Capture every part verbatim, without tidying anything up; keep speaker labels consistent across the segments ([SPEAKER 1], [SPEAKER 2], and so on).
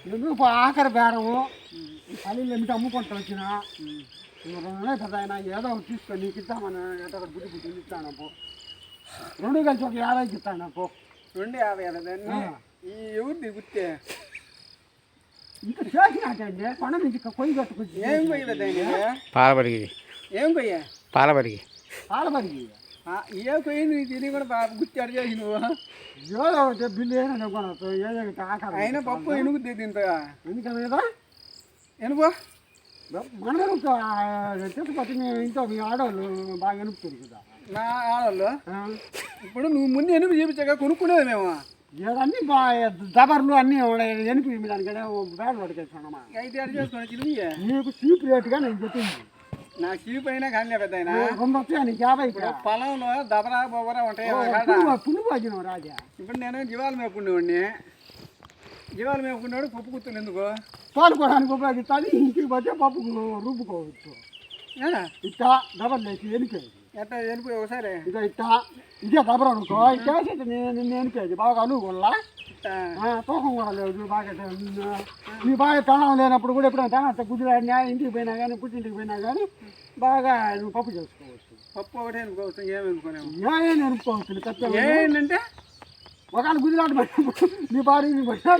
[SPEAKER 1] ఎందుకు ఆఖరి బేరము పల్లెలు ఎమిటి అమ్ముకుంటూ వచ్చిన రెండు పెద్ద ఆయన ఏదో ఒకటి తీసుకొని నీకు ఇద్దామని ఏదో ఒకటి బుద్ధి బుద్ధి ఇస్తాను పో రెండు కలిసి ఒక యాభైకి ఇస్తాను పో
[SPEAKER 2] రెండు యాభై దాన్ని ఈ ఎవరిది గుర్తే
[SPEAKER 1] ఇంకా చేసినట్టండి కొండ నుంచి కొయ్యి కట్టుకొచ్చి
[SPEAKER 2] ఏం కొయ్యలేదు దాన్ని
[SPEAKER 3] పాలబడికి
[SPEAKER 2] ఏం కొయ్యా
[SPEAKER 3] పాలబడికి
[SPEAKER 1] పాలబడికి
[SPEAKER 2] ఏ కొయ్యింది నీకు తిని కూడా గుర్తి అడి చేసి నువ్వు
[SPEAKER 1] ఏదో ఒకటి బిల్లు ఏమైనా కొనవచ్చు ఏదో ఆఖరి
[SPEAKER 2] అయినా పప్పు ఎనుగుద్ది దీంతో
[SPEAKER 1] ఎందుకనేదా
[SPEAKER 2] ఎనుకో
[SPEAKER 1] మనం తిరుపతి మేము ఇంట్లో మీ ఆడవాళ్ళు బాగా ఎనుపుతుంది కదా
[SPEAKER 2] నా ఆడవాళ్ళు ఇప్పుడు నువ్వు ముందు ఎనుగు చూపించాక కొనుక్కునేది మేము
[SPEAKER 1] అన్నీ బాగా దబర్లు అన్నీ ఎనిపి దానికనే బ్యాడ్ పట్టుకెళ్తున్నామా
[SPEAKER 2] అయితే అడి చేసుకుని చిన్న
[SPEAKER 1] నీకు చీప్ రేటుగా నేను చెప్పింది
[SPEAKER 2] నా చీప్ అయినా కానీ పెద్ద అయినా
[SPEAKER 1] రెండు వచ్చాయి నీకు యాభై
[SPEAKER 2] పొలంలో దబరా బొబరా ఉంటాయి
[SPEAKER 1] పుల్లు పోజినావు రాజా
[SPEAKER 2] ఇప్పుడు నేను జీవాలు మేపుకునేవాడిని జీవాలు మేపుకునేవాడు పప్పు గుర్తులు ఎందుకు
[SPEAKER 1] తోలుకోవడానికి ఉపయోగిస్తాను ఇంటికి పోతే పప్పు రూపుకోవచ్చు ఇట్టా డబల్ లేచి ఎనిపేది
[SPEAKER 2] ఎట్లా వెళ్ళిపోయి ఒకసారి
[SPEAKER 1] ఇక ఇట్టా ఇదే దబర అనుకో ఇట్టేసి నేను నిన్ను ఎనిపేది బాగా అనుకోల్లా తూకం కూడా లేదు బాగా నీ బాగా తణం లేనప్పుడు కూడా ఎప్పుడైనా తన గుజరాడినా ఇంటికి పోయినా కానీ పుట్టింటికి పోయినా కానీ బాగా నువ్వు పప్పు చేసుకోవచ్చు
[SPEAKER 2] పప్పు ఒకటే అనుకోవచ్చు ఏమి అనుకోలేము
[SPEAKER 1] ఏం ఎనుకోవచ్చు ఖచ్చితంగా
[SPEAKER 2] ఏంటంటే
[SPEAKER 1] ఒకవేళ గుజరాట్ నీ భార్య నీ పట్టినా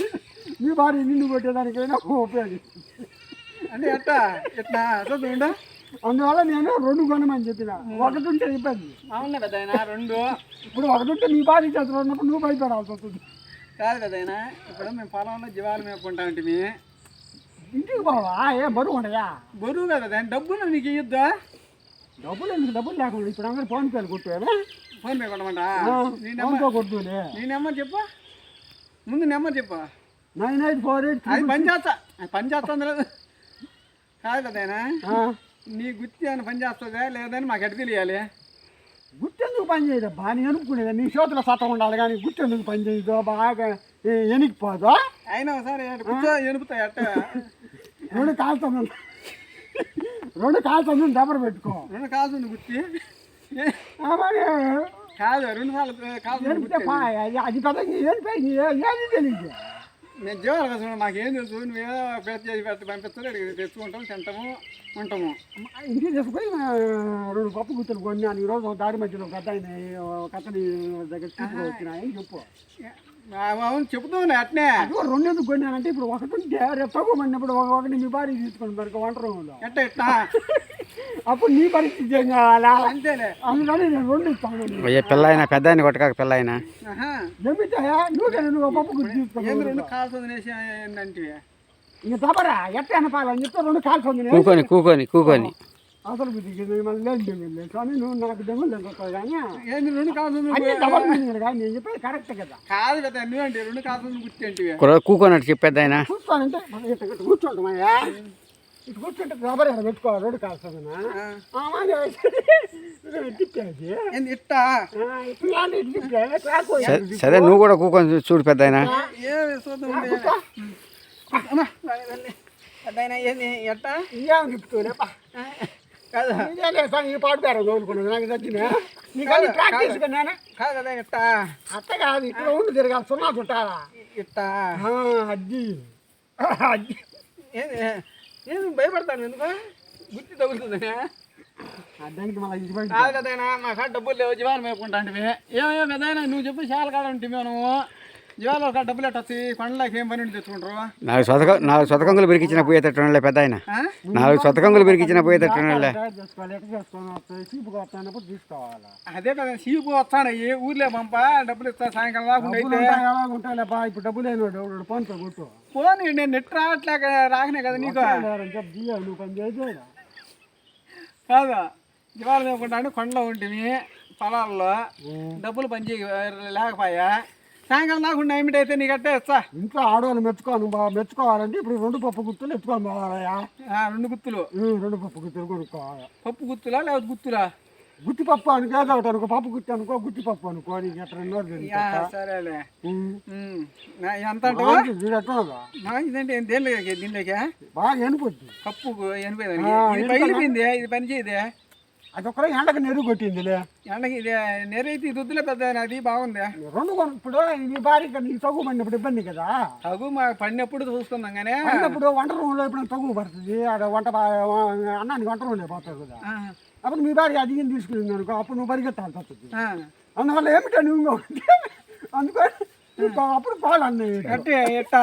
[SPEAKER 1] నీ భార్య నిన్ను కొట్టేదానికైనా ఉపయోగిస్తుంది
[SPEAKER 2] అంటే ఎట్టా ఎట్లా చూడ
[SPEAKER 1] అందువల్ల నేను రెండు కొనమని చెప్పిన ఒకటి ఉంటే ఇబ్బంది
[SPEAKER 2] అవునా పెద్ద ఆయన రెండు
[SPEAKER 1] ఇప్పుడు ఒకటి ఉంటే నీ భార్య చేతులు ఉన్నప్పుడు నువ్వు భయపడాల్సి వస్తుంది
[SPEAKER 2] కాదు పెద్ద ఆయన ఇప్పుడు మేము పొలంలో జీవాలు మేపుకుంటా అంటే
[SPEAKER 1] ఇంటికి పోవా ఏ బరువు ఉండయా
[SPEAKER 2] బరువు కదా డబ్బులు నీకు ఇద్దా
[SPEAKER 1] డబ్బులు ఎందుకు డబ్బులు లేకుండా ఇప్పుడు అందరూ ఫోన్ పేలు కొట్టారు
[SPEAKER 2] ఫోన్ పే కొట్టమంటా నీ
[SPEAKER 1] ఫోన్ పే కొట్టులే
[SPEAKER 2] నీ నెంబర్ చెప్పు ముందు నెంబర్ చెప్పు
[SPEAKER 1] నైన్ ఎయిట్ ఫోర్ ఎయిట్
[SPEAKER 2] అది పని చేస్తా పని చేస్తుంది లేదు కాదు కదైనా నీ గుర్తి అని పని చేస్తుందా లేదని మాకు ఎట్ట తెలియాలి
[SPEAKER 1] గుర్తెందుకు పని చేయదు బాగా నేను అనుకునేది నీ చేతుల సత్తం ఉండాలి కానీ గుర్తెందుకు పని చేయదు బాగా ఎనికిపోదు
[SPEAKER 2] అయినా ఒకసారి కూర్చో ఎనుపుతాయి అట్ట
[SPEAKER 1] రెండు కాల్తుంది రెండు కాల్తుంది దెబ్బలు పెట్టుకో
[SPEAKER 2] రెండు కాల్సింది గుర్తి కాదు రెండు సార్లు కాల్సింది
[SPEAKER 1] అది పెద్ద ఏది తెలియదు
[SPEAKER 2] నేను జీవాలు కదా మాకేం తెలుసు నువ్వేదో పెద్ద చేసి పెట్టి పంపిస్తారు తెచ్చుకుంటాం తింటాము ఉంటాము
[SPEAKER 1] ఇంటికి తీసుకుపోయి రెండు పప్పు గుర్తులు కొన్నాను ఈరోజు దారి మధ్యలో ఒక అతని ఒక అతని దగ్గర తీసుకు వచ్చినాయని చెప్పు
[SPEAKER 2] అవును చెప్తాను అట్నే
[SPEAKER 1] అది రెండు ఎందుకు కొన్నానంటే ఇప్పుడు ఒకటి ఉంటే రేపు తగ్గుమన్నప్పుడు ఒకటి మీ భార్య తీసుకుని మరి వంట రూమ్లో
[SPEAKER 2] ఎట్ట ఎట్టా
[SPEAKER 1] అప్పుడు నీ పరిస్థితి ఏం కావాలా
[SPEAKER 2] అంతేలే
[SPEAKER 1] అందుకని నేను రెండు ఇస్తాను
[SPEAKER 3] పిల్ల అయినా పెద్ద ఆయన కొట్టక పిల్ల అయినా
[SPEAKER 1] ఏమిటా నువ్వు నువ్వు పప్పు గుర్తు తీసుకుని
[SPEAKER 2] రెండు కాల్స్ వదిలేసి ఏంటంటే
[SPEAKER 1] ఇంక తప్పరా ఎట్ట అనపాలని చెప్తే రెండు కాల్స్ వదిలే
[SPEAKER 3] కూకొని కూకొని కూకొని
[SPEAKER 1] అసలు బుద్ధికి మళ్ళీ లేదు దెంగులు కానీ నువ్వు నాకు దెంగులు దెంగుతావు కానీ
[SPEAKER 2] ఏంది రెండు కాల్స్
[SPEAKER 1] డబల్ మీనింగ్ కానీ నేను చెప్పేది కరెక్ట్ కదా
[SPEAKER 2] కాదు కదా నువ్వేంటి రెండు కాల్స్ గుర్తి ఏంటి
[SPEAKER 3] కూకొని చెప్పేది ఆయన
[SPEAKER 1] కూర్చోనంటే ఇటు కూర్చోంటామయ్యా ఇటు కూర్చుంటే రబ్బర్ ఎక్కడ పెట్టుకోవాలి రోడ్డు కాల్సది
[SPEAKER 2] ఇట్టా
[SPEAKER 3] సరే నువ్వు కూడా కూకొని చూడు పెద్ద ఆయన
[SPEAKER 2] ఎట్టా
[SPEAKER 1] ఏమని చెప్తూనేపా
[SPEAKER 2] కాదు
[SPEAKER 1] ఈ పాటు పేరు కోరుకున్నాను నాకు నచ్చిన నీకు ప్రాక్టీస్ నేను
[SPEAKER 2] కాదు కదా ఇట్టా
[SPEAKER 1] అట్ట కాదు ఇక్కడ ఉండి తిరగాలి సున్నా చుట్టాలా
[SPEAKER 2] ఇట్టా
[SPEAKER 1] అజ్జి అజ్జి
[SPEAKER 2] ఏది ఏది భయపడతాను ఎందుకు గుర్తి తగులుతుందా
[SPEAKER 1] దానికి మళ్ళీ ఇది బయట
[SPEAKER 2] కాదు కదైనా మా కాడ డబ్బులు లేవు జీవాలు మేపుకుంటా అంటే ఏమేమో కదైనా నువ్వు చెప్పి చాలా కాడ ఉంటే నువ్వు జీవాలు ఒక డబ్బులు ఎట్ట వచ్చి కొండలకి ఏం పని ఉండి తెచ్చుకుంటారు
[SPEAKER 3] నాలుగు సొతక నాలుగు సొతకంగులు పెరికిచ్చిన పోయేటట్టు పెద్ద ఆయన నాలుగు సొతకంగులు పెరికిచ్చిన పోయేటట్టు
[SPEAKER 1] చేసుకోవాలి ఎట్లా చేసుకోవాలి చీపుగా వస్తానప్పుడు తీసుకోవాలి
[SPEAKER 2] అదే కదా చీపు వస్తాడు ఏ ఊర్లే పంప డబ్బులు ఇస్తా సాయంకాలం రాకుండా అయితే
[SPEAKER 1] ఉంటాయిలేపా ఇప్పుడు డబ్బులు అయిన ఫోన్ పే కొట్టు
[SPEAKER 2] ఫోన్ నేను నెట్ రావట్లేక రాకనే కదా నీకు
[SPEAKER 1] నువ్వు పని చేసి
[SPEAKER 2] కాదు జీవాలు మేపుకుంటా కొండలో ఉంటుంది పొలాల్లో డబ్బులు పని లేకపోయా సాయంకాలం నాకుండా ఏమిటైతే నీకు అట్టే ఇస్తా
[SPEAKER 1] ఇంట్లో ఆడవాళ్ళు మెచ్చుకోను బాగా మెచ్చుకోవాలంటే ఇప్పుడు రెండు పప్పు గుత్తులు ఎత్తుకొని పోవాలయా
[SPEAKER 2] రెండు గుత్తులు
[SPEAKER 1] రెండు పప్పు గుత్తులు కొనుక్కోవాలి
[SPEAKER 2] పప్పు గుత్తులా లేకపోతే గుత్తులా
[SPEAKER 1] గుత్తి పప్పు అనుకో ఏదో ఒకటి అనుకో పప్పు గుత్తి అనుకో గుత్తి పప్పు అనుకో నీకు ఎట్లా
[SPEAKER 2] సరేలే ఎంత మంచిదంటే దీంట్లోకి
[SPEAKER 1] బాగా ఎనిపోద్ది
[SPEAKER 2] పప్పు ఎనిపోయింది పగిలిపోయింది ఇది పని చేయదే
[SPEAKER 1] అదొక్కడే ఎండకు నెరుగు కొట్టిందిలే.
[SPEAKER 2] ఎండకి ఇది నెరైతే ఇది వద్దులే పెద్ద అది బాగుంది.
[SPEAKER 1] రెండు కొను ఇప్పుడు నీ భార్య నీకు తగ్గు పడినప్పుడు ఇబ్బంది కదా.
[SPEAKER 2] తగు మా పడినప్పుడు చూసుకుందాం కానీ
[SPEAKER 1] పడినప్పుడు వంట రూమ్లో ఎప్పుడైనా తగ్గు పడుతుంది, అక్కడ వంట బా- అన్నానికి వంట రూమ్లో పోతావు కదా.
[SPEAKER 2] ఆ,
[SPEAKER 1] అప్పుడు మీ భార్య అధికం తీసుకుని అనుకో, అప్పుడు నువ్వు పరిగెత్తాల్సి వస్తుంది.
[SPEAKER 2] ఆ.
[SPEAKER 1] అందువల్ల ఏమిటా నువ్వు ఇంకొకటి అందుకని నువ్వు అప్పుడు పాలు అన్నయ్య
[SPEAKER 2] అంటే ఎట్టా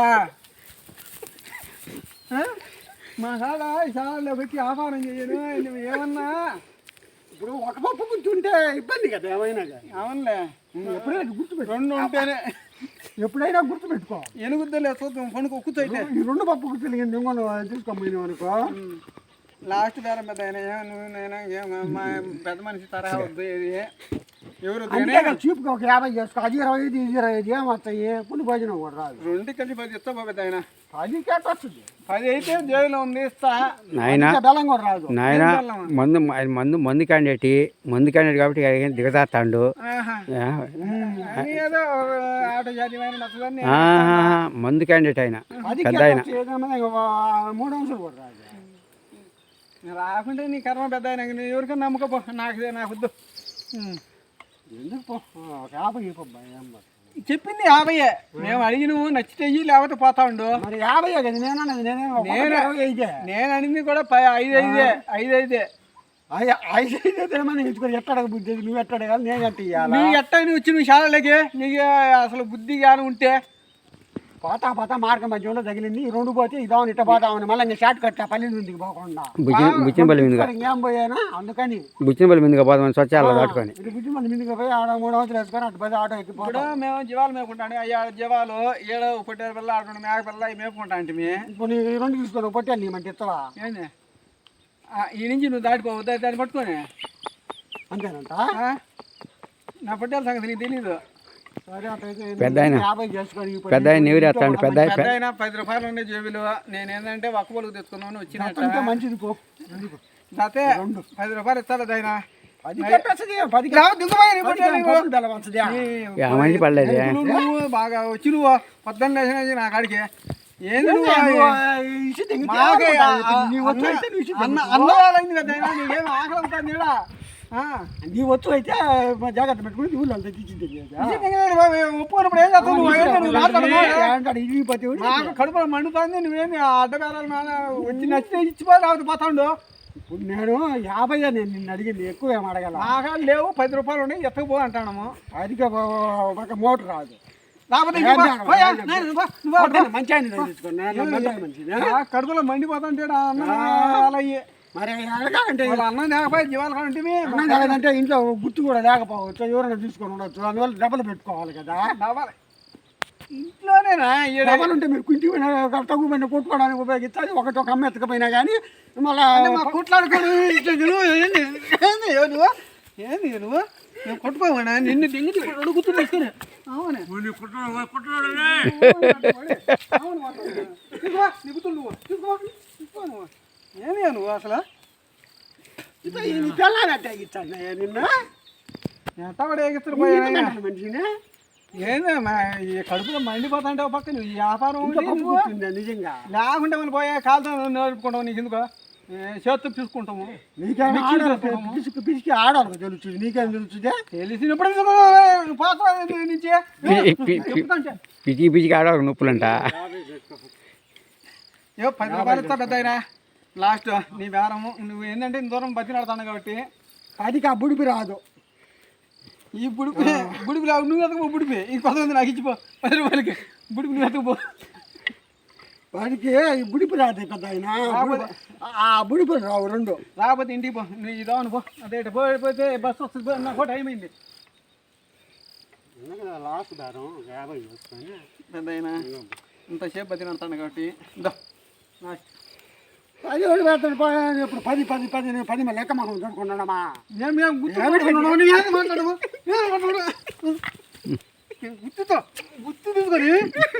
[SPEAKER 2] ఆ? మా కాడ చాలా పెట్టి వ్యాపారం చేయను నువ్వు ఏమన్నా
[SPEAKER 1] ఇప్పుడు ఒక పప్పు కూర్చుంటే ఇబ్బంది కదా ఏమైనా కానీ.
[SPEAKER 2] అవునులే
[SPEAKER 1] నువ్వు ఎప్పుడైనా గుర్తుపెట్టు,
[SPEAKER 2] రెండు ఉంటేనే
[SPEAKER 1] ఎప్పుడైనా గుర్తుపెట్టుకో.
[SPEAKER 2] ఎనుగుద్దలే చూద్దాం పనుకో కూర్చోయితే
[SPEAKER 1] ఈ రెండు పప్పు కూర్చుని ఇంకొక తీసుకోమని అనుకో.
[SPEAKER 2] లాస్ట్ బేరం పెద్ద ఆయన ఏం నువ్వు నేను ఏం మా పెద్ద మనిషి తరహా వద్దు ఇది ఎవరు వద్దు కానీ
[SPEAKER 1] అంతే చీప్గా ఒక యాభై చేసుకో, అది ఇరవై ఐదు ఇది ఇరవై ఐదు ఏమొస్తాయి, పులి భోజనం కూడా రాదు.
[SPEAKER 2] రెండు కలిసి పది ఇస్తా పెద్ద ఆయన
[SPEAKER 1] అది కేట వస్తుంది,
[SPEAKER 2] పది అయితే జైలు ఉంది ఇస్తా.
[SPEAKER 3] నాయన
[SPEAKER 1] ఇంకా బెల్లం కూడా రాదు.
[SPEAKER 3] నాయన మందు ఆయన మందు మందు క్యాండిడేట్ మందు క్యాండిడేట్ కాబట్టి ఆయన దిగజాస్తాడు.
[SPEAKER 2] ఆహా. అని ఏదో ఆటో జాతి అయిన నచ్చదని
[SPEAKER 3] ఆహా, మందు క్యాండిడేట్ ఆయన
[SPEAKER 1] అది
[SPEAKER 3] పెద్ద
[SPEAKER 1] కేట
[SPEAKER 3] ఆయన.
[SPEAKER 1] వచ్చి ఏదైనా ఒక మూడు అంశాలు కూడా రాదు.
[SPEAKER 2] రాకుంటే నీ కర్మ పెద్ద ఆయన నువ్వు ఎవరికైనా నమ్మకపో, నాకు నాకు వద్దు. ఉమ్.
[SPEAKER 1] ఎందుకు పో, ఒక యాభై ఇవ్వబ్బా, ఏం పడుతుంది.
[SPEAKER 2] చెప్పింది యాభయ్యే, మేము అడిగినవు నచ్చితే ఇయ్యి లేకపోతే పోతా ఉండు.
[SPEAKER 1] మరి యాభై కదా నేను అన్నది, నేనే
[SPEAKER 2] నేను-
[SPEAKER 1] ఇరవై ఐదే
[SPEAKER 2] నేను అడిగింది కూడా ప- ఐదు ఐదే ఐదు ఐదే
[SPEAKER 1] ఐ- ఐదు ఐదే తినమని ఇచ్చుకొని ఎట్టడక బుద్ధి నువ్వు ఎట్టడ కాదు, నేను ఎట్ట ఇవ్వాలా?
[SPEAKER 2] నీ ఎట్టా నువ్వు వచ్చి నువ్వు శాలలోకి నీకు అసలు బుద్ధి కానీ ఉంటే
[SPEAKER 1] పోతా పోతా మార్గం మధ్యలో తగిలింది, ఈ రెండు పోతే ఇదామని ఇట్ట పోతామని మళ్ళీ ఇంకా షార్ట్ కట్ పల్లె నుండికి పోకుండా
[SPEAKER 3] బుచ్చిన బుచ్చినపల్లి మీదుగా
[SPEAKER 1] ఇంకేం పోయానా అందుకని
[SPEAKER 3] బుచ్చినపల్లి మీదుగా పోదామని స్వచ్ఛాలలో దాటుకొని
[SPEAKER 1] ఇది బుద్ధి మంది మీదకి పోయి ఆడ మూడు వందలు వేసుకొని అటు పోయి ఆటో ఎక్కి
[SPEAKER 2] ఇప్పుడు
[SPEAKER 1] పోతాం.
[SPEAKER 2] మేము జీవాలు మేపుకుంటాను అయ్యా జీవాలు ఏడో పొట్టేరు పిల్ల ఆడు మేక పిల్ల ఇవి మేపుకుంటా అంటే మీ
[SPEAKER 1] ఇప్పుడు నీ ఈ రెండు తీసుకొని పొట్టాను నీ మంచి ఇస్తావా?
[SPEAKER 2] ఏంది ఆ, ఈ నుంచి నువ్వు దాటిపోవు దా- దాన్ని పట్టుకొని
[SPEAKER 1] అంతేనంట.
[SPEAKER 2] ఆ? నా పొట్టేల సంగతి నీకు తెలీదు.
[SPEAKER 1] సరే అట్టయితే
[SPEAKER 3] పెద్ద ఆయన.
[SPEAKER 1] యాభై చేసుకొని ఈ
[SPEAKER 3] పెద్ద ఆయన నీవురేస్తాడు పెద్ద ఆయన.
[SPEAKER 2] పెద్ద అయినా పది రూపాయలు ఉండే జేబులు నేను ఏంటంటే ఒక్క పొలుగు తెచ్చుకున్నాను వచ్చినట్టు
[SPEAKER 1] అంతే మంచిది పో.
[SPEAKER 2] అయితే పది రూపాయలు ఇస్తారు ఆయన
[SPEAKER 1] పది కట్టొస్తుంది, పది బెల్లవస్తుంది.
[SPEAKER 3] ఆ మనిషి పడలేదు.
[SPEAKER 2] నువ్వు బాగా వచ్చి నువ్వు పొద్దున్న లేచినా నా కాడికి ఏంది నువ్వు మాకే అన్న అన్నవాళ్ళైంది కదా అయినా నీకేం ఆకలి అవుతుంది ఈడ. ఆ.
[SPEAKER 1] నీ వచ్చు అయితే జాగ్రత్త పెట్టుకుని ఊళ్ళో తెచ్చింది
[SPEAKER 2] ఒప్పుకున్నప్పుడు ఏం చేస్తావు నువ్వు? ఏంటి నువ్వు మాట్లాడుతున్నావు?
[SPEAKER 1] ఇరిగిపోతే
[SPEAKER 2] నాకు కడుపులో మండుతుంది నువ్వేంది అడ్డబేరాలు నాన్న వచ్చి నచ్చితే ఇచ్చిపో లేకపోతే పోతాండు.
[SPEAKER 1] ఇప్పుడు నేను యాభై నేను నిన్ను అడిగింది, ఎక్కువ ఏం అడగల.
[SPEAKER 2] నాగా లేవు పది రూపాయలు ఉన్నాయి ఎత్తకపో అంటాము.
[SPEAKER 1] అదిక ఒక మోటర్ రాదు.
[SPEAKER 2] లేకపోతే ఇచ్చి పో. పోయా, నేను నువ్వు పో, నువ్వు పో.
[SPEAKER 1] మంచి ఆయన తెచ్చుకున్నా మంచిది.
[SPEAKER 2] ఆ కడుపులో మండిపోతుంటే అన్నం అలా అయ్యి
[SPEAKER 1] మరి అడగాలంటే
[SPEAKER 2] వాళ్ళ అన్నం లేకపోయి జీవాలు కంటే
[SPEAKER 1] అన్నం కాలేదంటే ఇంట్లో గుర్తు కూడా లేకపోవచ్చు, ఎవరైనా తీసుకొని ఉండొచ్చు, అందువల్ల డబ్బులు పెట్టుకోవాలి కదా.
[SPEAKER 2] ఇంట్లోనేనా ఈడ
[SPEAKER 1] డబ్బులు ఉంటే మీరు కుంటి తగ్గు పైన కొట్టుకోవడానికి ఉపయోగిస్తుంది. ఒకటి ఒక అమ్మ ఎత్తకపోయినా కానీ మళ్ళా
[SPEAKER 2] మా కొట్లాడుకోడు నువ్వు ఏంది ఏంది నువ్వు ఏంది నువ్వు నేను కొట్టుకోమన్నా నిన్ను దింగి అడుగుతూ తీసుకుని అవును నువ్వు తీసుకో నువ్వు ఏమి నువ్వు అసలు
[SPEAKER 1] తెల్లారంటే ఇచ్చాను నిన్న
[SPEAKER 2] ఎంత కూడా ఎగిస్తారు పోయా
[SPEAKER 1] మనిషిని
[SPEAKER 2] ఏంది మా ఈ కడుపులో మండిపోతాంటే ఒక పక్క నువ్వు ఈ వ్యాపారం
[SPEAKER 1] ఇంకా
[SPEAKER 2] ఉండి
[SPEAKER 1] పప్పు
[SPEAKER 2] నువ్వు
[SPEAKER 1] పుట్టిందా నిజంగా?
[SPEAKER 2] లేకుంటే మనం పోయే కాలుతో నడుపుకుంటాము నీకు ఎందుకో చేత్తు తీసుకుంటాము
[SPEAKER 1] నీకేం ఆడాలి పిసికి పిసికి ఆడాలి తెలుస్తుంది, నీకేం తెలుస్తుంది?
[SPEAKER 2] తెలిసినప్పుడు పోతా నుంచి చెప్తాంటే
[SPEAKER 3] పిచ్చికి పిచ్చికి ఆడ నొప్పులంట.
[SPEAKER 2] ఏ పది రూపాయలు ఇస్తా పెద్ద అయినా లాస్ట్ నీ బేరము నువ్వు ఏంటంటే ఇంత దూరం బతిలాడుతాను కాబట్టి
[SPEAKER 1] పదికి ఆ బుడిపి రాదు.
[SPEAKER 2] ఈ బుడిపి బుడిపి రావు నువ్వు ఎతకపో బుడిపి ఈ కొంతమంది నాకు ఇచ్చిపో పది రూపాయలకి బుడిపి నువ్వు ఎతకపో
[SPEAKER 1] వాడికి ఈ బుడిపి రాదు పెద్ద ఆయన, ఆ బుడిపి రావు రెండు.
[SPEAKER 2] రాకపోతే ఇంటికి పో నువ్వు ఇదావను పో అదే పోయిపోతే బస్సు వస్తుంది నాకు టైం అయింది
[SPEAKER 1] లాస్ట్ దారం యాభై వస్తాను
[SPEAKER 2] పెద్ద అయినా ఇంతసేపు బతిలాడుతాను కాబట్టి ఇదో లాస్ట్
[SPEAKER 1] పది ఒకటి పెడతాడు పో- ఇప్పుడు పది పది పది పది మళ్ళీ లెక్క మనం చదువుకున్నాడమ్మా.
[SPEAKER 2] మేము గుర్తు పెట్టుకున్నావు. నువ్వు ఏం మాట్లాడవు ఏం మాట్లాడవు గుర్తుతో గుర్తు తీసుకొని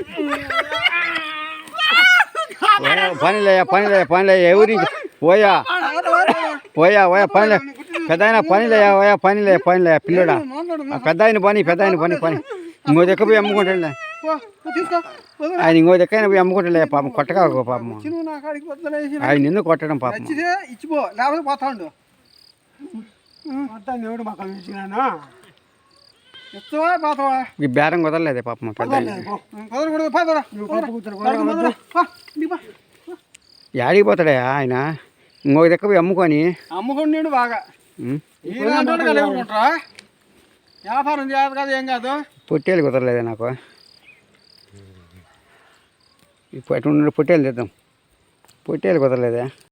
[SPEAKER 3] పనిలే పనిలే పనిలే ఎవరి పోయా పోయా పోయా పనిలే పెద్ద ఆయన పనిలే పోయా పనిలే పనిలే పిల్లడా పెద్ద ఆయన పని పెద్ద ఆయన పని పని ఇంకో దగ్గర పోయి అమ్ముకుంటాడులే
[SPEAKER 2] పో, తీసుకో వదలు.
[SPEAKER 3] ఆయన ఇంకో దగ్గర పోయి అమ్ముకుంటాడులే పాపం కొట్టగా పాపం
[SPEAKER 2] చిన్న నా కాడికి వద్దలేసి
[SPEAKER 3] ఆయన నిన్ను కొట్టడం పాపం.
[SPEAKER 2] నచ్చితే ఇచ్చిపో లేకపోతే పోతా ఉండు
[SPEAKER 1] మొత్తం దేవుడు మొక్కలు ఇచ్చినాను
[SPEAKER 2] ఎత్తువా పాతవా
[SPEAKER 3] ఈ బేరం కుదరలేదే పాపం పెద్ద
[SPEAKER 2] కుదరకూడదు పాతరా
[SPEAKER 1] నువ్వు కప్పు కూర్చొని
[SPEAKER 3] యాడికి పోతాడా ఆయన ఇంకొక దగ్గర పోయి అమ్ముకొని
[SPEAKER 2] అమ్ముకొని నేను బాగా
[SPEAKER 3] ఉం?
[SPEAKER 2] ఈనాడు కలిగిపోంటారా వ్యాపారం చేయదు కదా ఏం కాదు
[SPEAKER 3] పొట్టేలు కుదరలేదే నాకు ఇప్పుడు ఎటు పొట్టేలు తెద్దాం పొట్టేలు కుదరలేదే